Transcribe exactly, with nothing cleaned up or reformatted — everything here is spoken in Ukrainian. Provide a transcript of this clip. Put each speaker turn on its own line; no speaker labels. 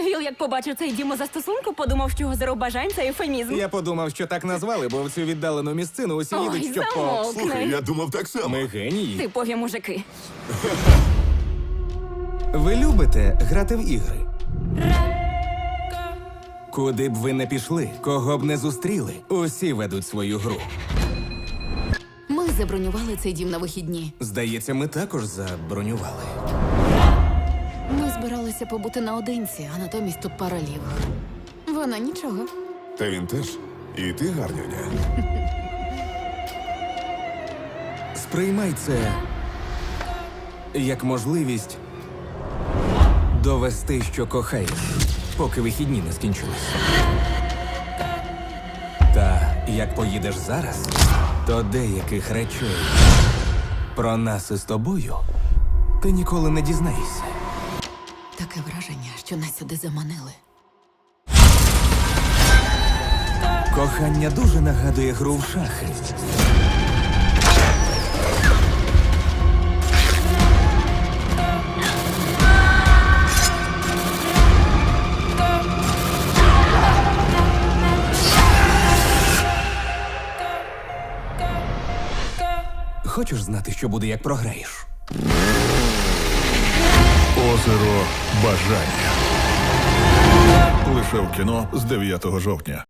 Віл, як побачив цей дім у застосунку, подумав, що озеро бажань – це ефемізм.
Я подумав, що так назвали, бо в цю віддалену місцину усі
Ой,
їдуть, щоб по...
замовкни.
Слухай, я думав так само.
Ми генії.
Типові мужики.
Ви любите грати в ігри? Куди б ви не пішли, кого б не зустріли, усі ведуть свою гру.
Ми забронювали цей дім на вихідні.
Здається, ми також забронювали.
Ми збиралися побути наодинці, а натомість тут пара лівих. Вона нічого.
Та він теж. І ти гарнюня.
Сприймай це як можливість довести, що кохаєш, поки вихідні не скінчились. Та як поїдеш зараз, то деяких речей про нас із тобою ти ніколи не дізнаєшся.
Таке враження, що нас сюди заманили.
Кохання дуже нагадує гру в шахи. Хочеш знати, що буде, як програєш?
Озеро бажання. Лише в кіно з дев'ятого жовтня.